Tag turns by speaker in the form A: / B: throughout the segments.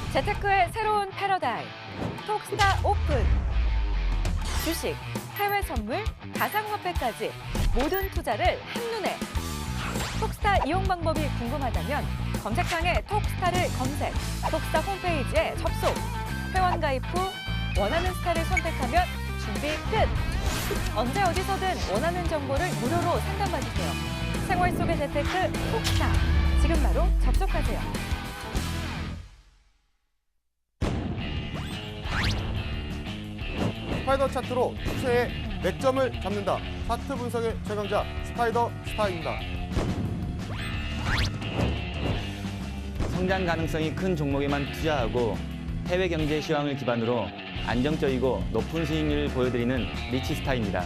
A: 재테크의 새로운 패러다임, 톡스타 오픈. 주식, 해외 선물, 가상화폐까지 모든 투자를 한눈에. 톡스타 이용 방법이 궁금하다면 검색창에 톡스타를 검색, 톡스타 홈페이지에 접속. 회원 가입 후 원하는 스타를 선택하면 준비 끝! 언제 어디서든 원하는 정보를 무료로 상담받으세요. 생활 속의 재테크 톡스타. 지금 바로 접속하세요.
B: 스파이더 차트로 추세의 맥점을 잡는다. 차트 분석의 최강자 스파이더 스타입니다.
C: 성장 가능성이 큰 종목에만 투자하고 해외 경제 시황을 기반으로 안정적이고 높은 수익률을 보여드리는 리치스타입니다.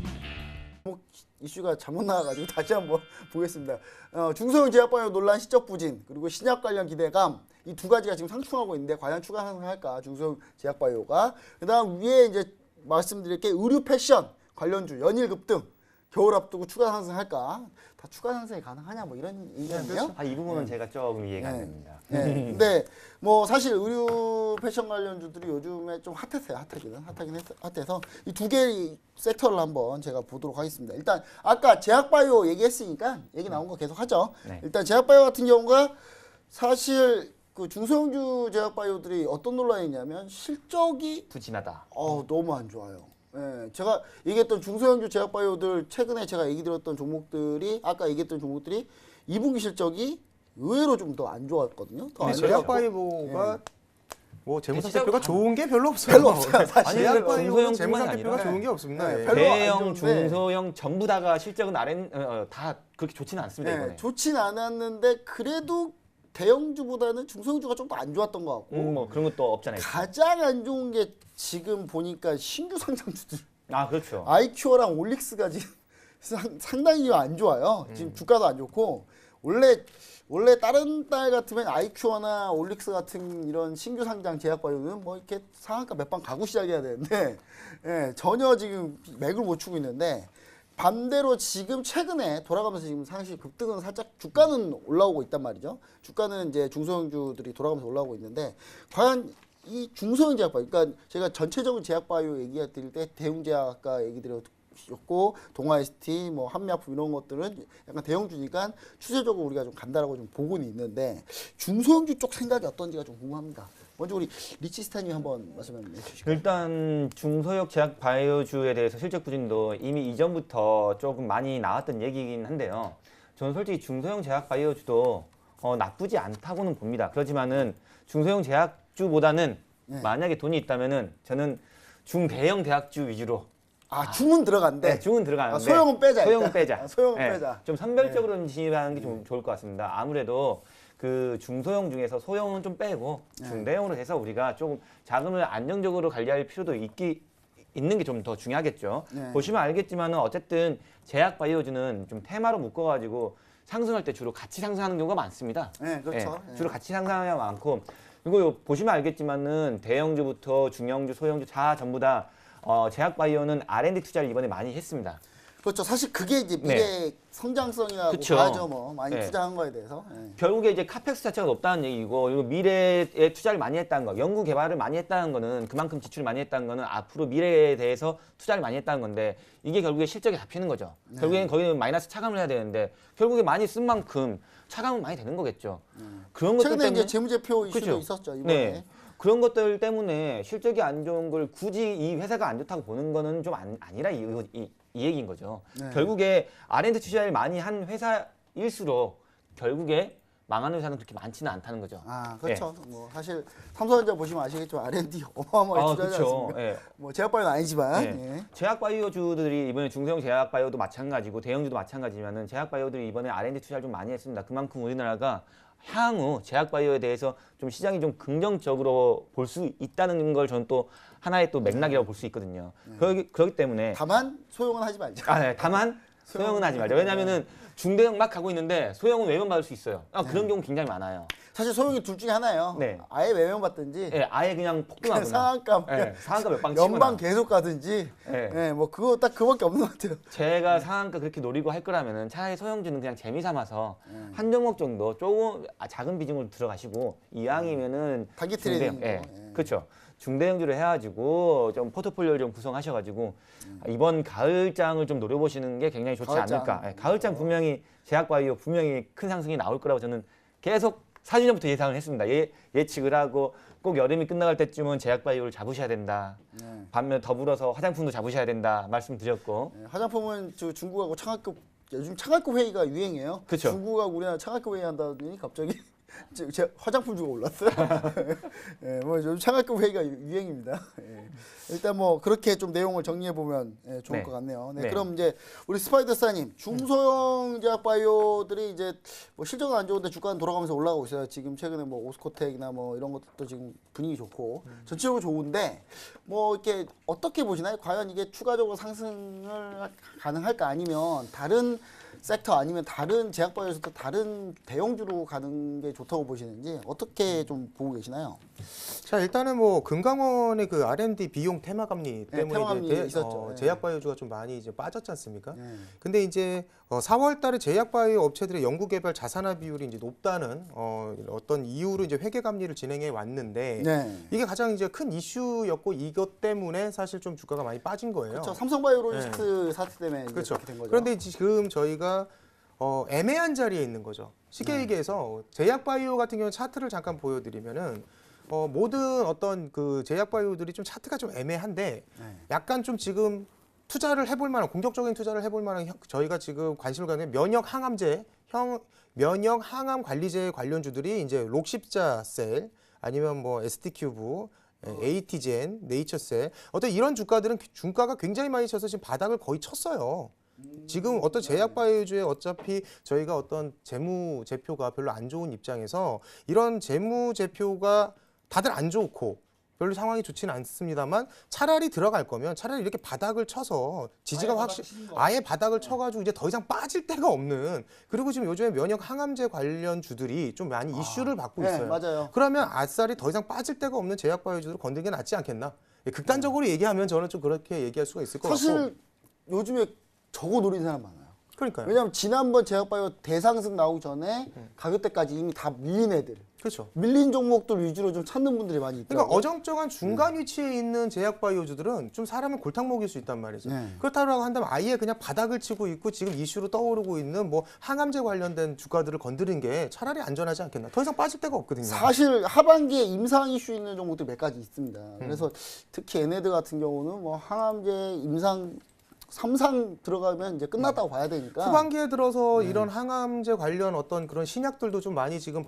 D: 이슈가 잘못 나와가지고 다시 한번 보겠습니다. 중소형 제약바이오 논란 시적 부진 그리고 신약 관련 기대감 이 두 가지가 지금 상충하고 있는데 과연 추가 상승할까 중소형 제약바이오가. 그다음 위에 이제 말씀드릴 게 의류 패션 관련주 연일 급등 겨울 앞두고 추가 상승할까. 다 추가 상승이 가능하냐 뭐 이런 얘기네요.
C: 이 부분은 제가 조금 이해가 안 됩니다.
D: 근데 뭐 사실 의류 패션 관련주들이 요즘에 좀 핫했어요. 핫해서 이 두 개의 섹터를 한번 제가 보도록 하겠습니다. 일단 아까 제약바이오 얘기했으니까 얘기 나온 거 계속 하죠.
C: 네.
D: 일단 제약바이오 같은 경우가 사실 그 중소형주 제약바이오들이 어떤 논란이 있냐면 실적이
C: 부진하다.
D: 너무 안 좋아요. 예, 제가 얘기했던 중소형주 제약바이오들 최근에 제가 얘기 드렸던 종목들이 아까 얘기했던 종목들이 2분기 실적이 의외로 좀 더 안 좋았거든요. 더 안 좋았고.
B: 제약바이오가 뭐 재무상태표가
C: 진짜
B: 좋은 게 별로 없어요.
D: 별로 없어요, 사실.
B: 제약바이오는
C: 중소형뿐만
B: 재무상태표가
C: 아니라
B: 좋은 게 없습니다.
D: 네,
B: 예.
D: 별로
C: 대형,
D: 안 좋은데.
C: 중소형 전부 다가 실적은 다 그렇게 좋지는 않습니다. 이번에.
D: 좋진 않았는데 그래도 대형주보다는 중소형주가 좀 더 안 좋았던 것 같고
C: 뭐 그런 것도 없잖아요.
D: 가장 안 좋은 게 지금 보니까 신규 상장주들
C: 그렇죠.
D: 아이큐어랑 올릭스가 지금 상당히 안 좋아요. 지금 주가도 안 좋고 원래 다른 달 같으면 아이큐어나 올릭스 같은 이런 신규 상장 제약바이오는 뭐 이렇게 상한가 몇 방 가고 시작해야 되는데 전혀 지금 맥을 못 추고 있는데 반대로 지금 최근에 돌아가면서 지금 사실 급등은 살짝 주가는 올라오고 있단 말이죠. 주가는 이제 중소형주들이 돌아가면서 올라오고 있는데 과연 이 중소형 제약바이오, 그러니까 제가 전체적인 제약바이오 얘기 드릴 때 대웅제약과 얘기 드렸고 동아ST, 뭐 한미약품 이런 것들은 약간 대형주니까 추세적으로 우리가 좀 간다라고 좀 보고는 있는데 중소형주 쪽 생각이 어떤지가 좀 궁금합니다. 먼저 우리 리치스타님 한번 말씀해 주시죠.
C: 일단 중소형 제약 바이오주에 대해서 실적 부진도 이미 이전부터 조금 많이 나왔던 얘기긴 한데요. 저는 솔직히 중소형 제약 바이오주도 나쁘지 않다고는 봅니다. 그렇지만은 중소형 제약주보다는 만약에 돈이 있다면은 저는 중대형 대학주 위주로.
D: 중은 들어간대.
C: 네, 중은 들어가는데
D: 소형은 빼자.
C: 소형은 빼자.
D: 소형은
C: 네,
D: 빼자.
C: 좀 선별적으로 진입하는 게 좀 좋을 것 같습니다. 아무래도 그 중소형 중에서 소형은 좀 빼고 중대형으로 해서 우리가 조금 자금을 안정적으로 관리할 필요도 있는 게 좀 더 중요하겠죠. 보시면 알겠지만은 어쨌든 제약 바이오주는 좀 테마로 묶어가지고 상승할 때 주로 같이 상승하는 경우가 많습니다.
D: 네, 그렇죠.
C: 주로 같이 상승하는 경우가 많고 그리고 보시면 알겠지만은 대형주부터 중형주, 소형주 다 전부 다 제약 바이오는 R&D 투자를 이번에 많이 했습니다.
D: 그렇죠. 사실 그게 이제 미래 성장성이라고
C: 그쵸.
D: 봐야죠. 뭐 많이
C: 네.
D: 투자한 거에 대해서.
C: 결국에 이제 카펙스 자체가 높다는 얘기고 그리고 미래에 투자를 많이 했다는 거, 연구 개발을 많이 했다는 거는 그만큼 지출을 많이 했다는 거는 앞으로 미래에 대해서 투자를 많이 했다는 건데 이게 결국에 실적에 잡히는 거죠. 결국에는 거기는 마이너스 차감을 해야 되는데 결국에 많이 쓴 만큼 차감은 많이 되는 거겠죠. 그런 것들
D: 최근에
C: 때문에
D: 이제 재무제표 이슈도
C: 그렇죠.
D: 있었죠. 이번에.
C: 네. 그런 것들 때문에 실적이 안 좋은 걸 굳이 이 회사가 안 좋다고 보는 거는 좀 아니라 이 얘기인 거죠. 결국에 R&D 투자를 많이 한 회사일수록 결국에 망하는 회사는 그렇게 많지는 않다는 거죠.
D: 그렇죠. 뭐 사실 삼성전자 보시면 아시겠지만 R&D 어마어마하게 투자하지
C: 그렇죠.
D: 않습니까?
C: 예.
D: 뭐 제약바이오는 아니지만.
C: 네. 제약바이오주들이 이번에 중소형 제약바이오도 마찬가지고 대형주도 마찬가지지만은 제약바이오들이 이번에 R&D 투자를 좀 많이 했습니다. 그만큼 우리나라가 향후 제약바이오에 대해서 좀 시장이 좀 긍정적으로 볼 수 있다는 걸 저는 또 하나의 또 맥락이라고 볼 수 있거든요. 그렇기 때문에
D: 다만 소용은 하지 말자.
C: 다만 소형은 하지 말자. 왜냐하면은 중대형 막 가고 있는데 소형은 외면받을 수 있어요. 그런 경우 굉장히 많아요.
D: 사실 소형이 둘 중에 하나예요.
C: 네.
D: 아예 외면받든지
C: 예, 아예 그냥
D: 그냥
C: 폭등하거나
D: 상한가
C: 예, 상한가 몇 방 치거나
D: 연방 계속 가든지
C: 예.
D: 예, 뭐 그거 딱 그밖에 없는 것 같아요.
C: 제가 상한가 그렇게 노리고 할 거라면은 차라리 소형주는 그냥 재미 삼아서 한 종목 정도 조금 작은 비중으로 들어가시고 이왕이면은
D: 단기
C: 중대형,
D: 트레이딩
C: 예, 그렇죠. 중대형주를 해가지고 좀 포트폴리오를 좀 구성하셔가지고 이번 가을장을 좀 노려보시는 게 굉장히 좋지
D: 가을장.
C: 않을까. 예, 가을장 분명히 제약바이오 분명히 큰 상승이 나올 거라고 저는 계속 4주 전부터 예상을 했습니다. 예측을 하고 꼭 여름이 끝나갈 때쯤은 제약바이오를 잡으셔야 된다.
D: 네.
C: 반면 더불어서 화장품도 잡으셔야 된다 말씀드렸고.
D: 예, 화장품은 저 중국하고 창학급 요즘 창학급 회의가 유행이에요.
C: 그쵸.
D: 중국하고 우리나라 창학급 회의 한다더니 갑자기 제 화장품 주가 올랐어요. 예, 뭐 요즘 창학급 회의가 유행입니다. 예. 일단 뭐 그렇게 좀 내용을 정리해 보면 좋을
C: 네.
D: 것 같네요. 네,
C: 네.
D: 그럼 이제 우리 스파이더사님 중소형 제약 바이오들이 이제 뭐 실적은 안 좋은데 주가는 돌아가면서 올라가고 있어요. 지금 최근에 뭐 오스코텍이나 뭐 이런 것도 지금 분위기 좋고 전체적으로 좋은데 뭐 이렇게 어떻게 보시나요? 과연 이게 추가적으로 상승을 가능할까 아니면 다른 섹터 아니면 다른 제약바이오에서도 다른 대형주로 가는 게 좋다고 보시는지 어떻게 좀 보고 계시나요?
E: 자, 일단은 뭐 금강원의 그 R&D 비용 테마 감리
D: 네,
E: 때문에
D: 테마 감리
E: 이제
D: 있었죠. 네.
E: 제약바이오주가 좀 많이 이제 빠졌지 않습니까?
D: 네.
E: 근데 이제 4월 달에 제약바이오 업체들의 연구개발 자산화 비율이 이제 높다는 어떤 이유로 이제 회계 감리를 진행해 왔는데
D: 네.
E: 이게 가장 이제 큰 이슈였고 이것 때문에 사실 좀 주가가 많이 빠진 거예요.
D: 그렇죠. 삼성바이오로직스 사태 때문에 이제
E: 그렇죠.
D: 그렇게 된 거죠.
E: 그런데 지금 저희가 애매한 자리에 있는 거죠. 쉽게
D: 네.
E: 얘기해서 제약바이오 같은 경우는 차트를 잠깐 보여드리면은 모든 어떤 그 제약바이오들이 좀 차트가 좀 애매한데
D: 네.
E: 약간 좀 지금 투자를 해볼 만한 공격적인 투자를 해볼 만한 저희가 지금 관심을 갖는 면역 항암 관리제 관련주들이 이제 록십자셀 아니면 뭐 ST큐브 에이티젠, 네이처셀 어떤 이런 주가들은 주가가 굉장히 많이 쳐서 지금 바닥을 거의 쳤어요. 지금 어떤 제약바이오주에 어차피 저희가 어떤 재무제표가 별로 안 좋은 입장에서 이런 재무제표가 다들 안 좋고 별로 상황이 좋지는 않습니다만 차라리 들어갈 거면 차라리 이렇게 바닥을 쳐서 지지가 아예 바닥을 쳐가지고 이제 더 이상 빠질 데가 없는 그리고 지금 요즘에 면역 항암제 관련 주들이 좀 많이 이슈를 받고
D: 네,
E: 있어요.
D: 맞아요.
E: 그러면 아싸리 더 이상 빠질 데가 없는 제약바이오주를 건드는 게 낫지 않겠나? 극단적으로 얘기하면 저는 좀 그렇게 얘기할 수가 있을 것 같고.
D: 사실 요즘에 저거 노리는 사람 많아요.
E: 그러니까요.
D: 왜냐하면 지난번 제약바이오 대상승 나오기 전에 가격대까지 이미 다 밀린 애들,
E: 그렇죠.
D: 밀린 종목들 위주로 좀 찾는 분들이 많이
E: 그러니까
D: 있더라고요.
E: 어정쩡한 중간 위치에 있는 제약바이오주들은 좀 사람을 골탕 먹일 수 있단 말이죠.
D: 네.
E: 그렇다고 한다면 아예 그냥 바닥을 치고 있고 지금 이슈로 떠오르고 있는 뭐 항암제 관련된 주가들을 건드린 게 차라리 안전하지 않겠나. 더 이상 빠질 데가 없거든요.
D: 사실 하반기에 임상 이슈 있는 종목들 몇 가지 있습니다. 그래서 특히 얘네들 같은 경우는 뭐 항암제 임상 3상 들어가면 이제 끝났다고 봐야 되니까.
E: 후반기에 들어서 이런 항암제 관련 어떤 그런 신약들도 좀 많이 지금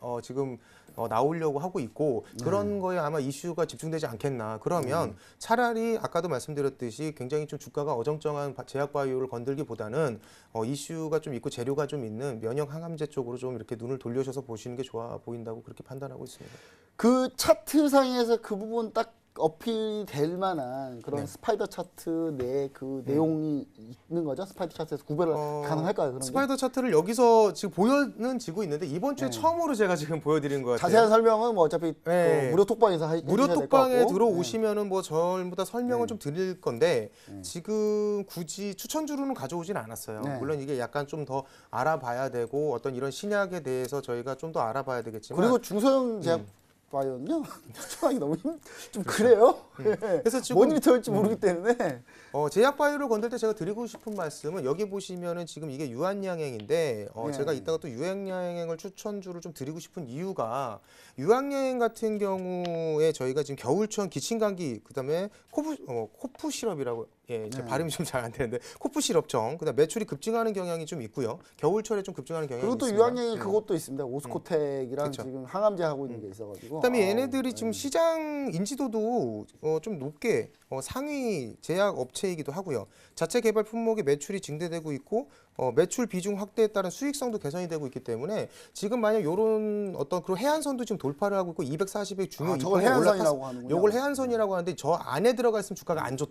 E: 나오려고 하고 있고 그런 거에 아마 이슈가 집중되지 않겠나. 그러면 차라리 아까도 말씀드렸듯이 굉장히 좀 주가가 어정쩡한 제약바이오를 건들기보다는 이슈가 좀 있고 재료가 좀 있는 면역 항암제 쪽으로 좀 이렇게 눈을 돌려셔서 보시는 게 좋아 보인다고 그렇게 판단하고 있습니다.
D: 그 차트상에서 그 부분 딱 어필이 될 만한 그런 스파이더 차트 내 그 내용이 있는 거죠? 스파이더 차트에서 구별을 가능할까요? 그런 게?
E: 스파이더 차트를 여기서 지금 보여는 지고 있는데 이번 주에 처음으로 제가 지금 보여드리는 것 같아요.
D: 자세한 설명은 뭐 어차피
E: 네.
D: 그 무료 톡방에서
E: 무료 톡방에
D: 네.
E: 들어오시면은 뭐 전부 다 설명을 좀 드릴 건데 지금 굳이 추천주로는 가져오진 않았어요.
D: 네.
E: 물론 이게 약간 좀 더 알아봐야 되고 어떤 이런 신약에 대해서 저희가 좀 더 알아봐야 되겠지만
D: 그리고 중소형 제약 바이오는요 추천하기 너무 좀 그래요.
E: 그래서 지금
D: 뭔 일이 터질지 모르기 때문에
E: 제약바이오를 건들 때 제가 드리고 싶은 말씀은 여기 보시면은 지금 이게 유한양행인데 제가 이따가 또 유한양행을 추천주를 좀 드리고 싶은 이유가 유한양행 같은 경우에 저희가 지금 겨울철 기침감기 그다음에 코프 시럽이라고 제 발음이 좀 잘 안 되는데 코프 시럽정 그다음 매출이 급증하는 경향이 좀 있고요. 겨울철에 좀 급증하는 경향이
D: 그리고 또
E: 있습니다.
D: 유한양이 그것도 있습니다. 오스코텍이랑
E: 그쵸.
D: 지금 항암제 하고 있는 게 있어가지고.
E: 그다음에 얘네들이 지금 시장 인지도도 좀 높게 상위 제약 업체이기도 하고요. 자체 개발 품목의 매출이 증대되고 있고 매출 비중 확대에 따른 수익성도 개선이 되고 있기 때문에 지금 만약 이런 어떤 그런 해안선도 지금 돌파를 하고 있고 240의 중요
D: 저걸 해안선이라고 하는군요.
E: 요걸 해안선이라고 하는데 저 안에 들어가 있으면 주가가 안 좋다.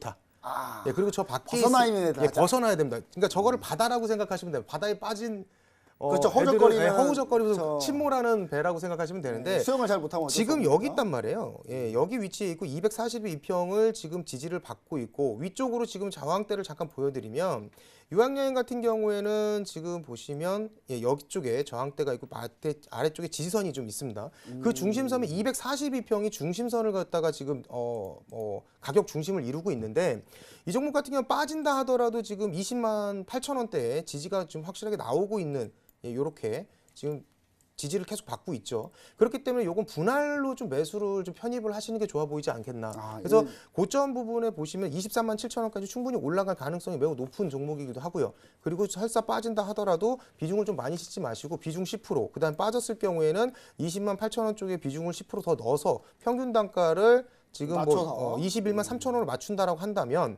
D: 아,
E: 예, 그리고 저 밖에
D: 벗어나야
E: 예, 벗어나야 됩니다. 그러니까 저거를 바다라고 생각하시면 돼요. 바다에 빠진
D: 그렇죠.
E: 애들은,
D: 허우적거리는
E: 예, 허우적거리면서
D: 저-
E: 침몰하는 배라고 생각하시면 되는데
D: 수영을 잘 못하면 어쩔 수
E: 지금
D: 없으니까.
E: 여기 있단 말이에요. 예, 여기 위치에 있고 242평을 지금 지지를 받고 있고 위쪽으로 지금 저항대를 잠깐 보여드리면 유황여행 같은 경우에는 지금 보시면 예, 여기 쪽에 저항대가 있고 아래쪽에 지지선이 좀 있습니다. 그 중심선이 242평이 중심선을 갖다가 지금 가격 중심을 이루고 있는데 이 종목 같은 경우는 빠진다 하더라도 지금 20만 8천 원대에 지지가 좀 확실하게 나오고 있는 예, 요렇게 지금 지지를 계속 받고 있죠. 그렇기 때문에 요건 분할로 좀 매수를 좀 편입을 하시는 게 좋아 보이지 않겠나.
D: 아,
E: 그래서
D: 예.
E: 고점 부분에 보시면 23만 7천 원까지 충분히 올라갈 가능성이 매우 높은 종목이기도 하고요. 그리고 설사 빠진다 하더라도 비중을 좀 많이 싣지 마시고 비중 10%, 그다음 빠졌을 경우에는 20만 8천 원 쪽에 비중을 10%더 넣어서 평균 단가를 지금
D: 맞춰서.
E: 21만 3천 원을 맞춘다라고 한다면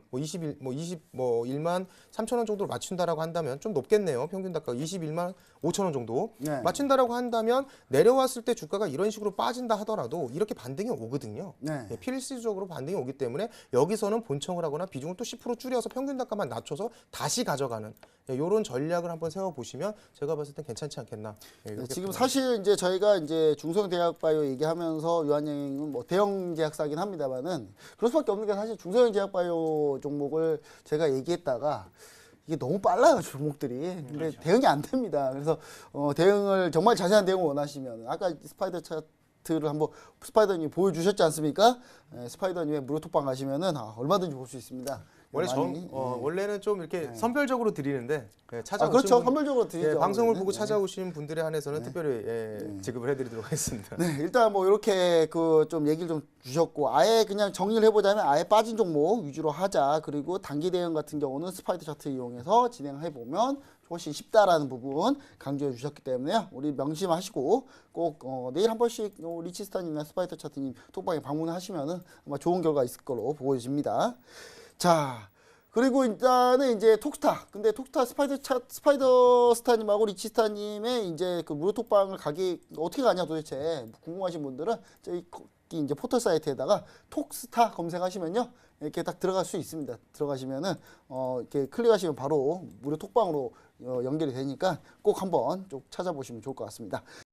E: 21만 3천 원 정도를 맞춘다라고 한다면 좀 높겠네요. 평균 단가가 21만 5천 원 정도
D: 네.
E: 맞춘다라고 한다면 내려왔을 때 주가가 이런 식으로 빠진다 하더라도 이렇게 반등이 오거든요.
D: 네.
E: 예, 필수적으로 반등이 오기 때문에 여기서는 본청을 하거나 비중을 또 10% 줄여서 평균 단가만 낮춰서 다시 가져가는 이런 전략을 한번 세워보시면 제가 봤을 땐 괜찮지 않겠나. 예,
D: 네,
E: 이렇게
D: 지금
E: 보입니다.
D: 사실 이제 저희가 이제 중소형제약바이오 얘기하면서 유한여행은 뭐 대형 제약사긴 합니다만은 그럴 수밖에 없는 게 사실 중소형제약바이오 종목을 제가 얘기했다가 이게 너무 빨라요 종목들이. 근데
C: 그렇죠.
D: 대응이 안 됩니다. 그래서 대응을 정말 자세한 대응을 원하시면 아까 스파이더 차트를 한번 스파이더님 보여주셨지 않습니까? 스파이더님의 무료 톡방 가시면은 얼마든지 볼 수 있습니다.
E: 원래
D: 많이,
E: 원래는 좀 이렇게 선별적으로 드리는데 찾아오신
D: 그렇죠.
E: 분-
D: 선별적으로 드리죠.
E: 예, 방송을
D: 원래는.
E: 보고
D: 네.
E: 찾아오신 분들에 한해서는 특별히 지급을 해드리도록 하겠습니다.
D: 네, 일단 뭐 이렇게 그 좀 얘기를 좀 주셨고 아예 그냥 정리를 해보자면 아예 빠진 종목 위주로 하자. 그리고 단기 대응 같은 경우는 스파이더 차트 이용해서 진행해 보면 훨씬 쉽다라는 부분 강조해 주셨기 때문에요. 우리 명심하시고 꼭 내일 한 번씩 리치스타님이나 스파이더 차트님 톡방에 방문하시면은 아마 좋은 결과 있을 걸로 보여집니다. 자. 그리고 일단은 이제 톡스타. 근데 톡스타 스파이더 스타님하고 리치스타님의 이제 그 무료 톡방을 가기 어떻게 가냐 도대체 궁금하신 분들은 저희 이제 포털 사이트에다가 톡스타 검색하시면요. 이렇게 딱 들어갈 수 있습니다. 들어가시면은 이렇게 클릭하시면 바로 무료 톡방으로 연결이 되니까 꼭 한번 쭉 찾아보시면 좋을 것 같습니다.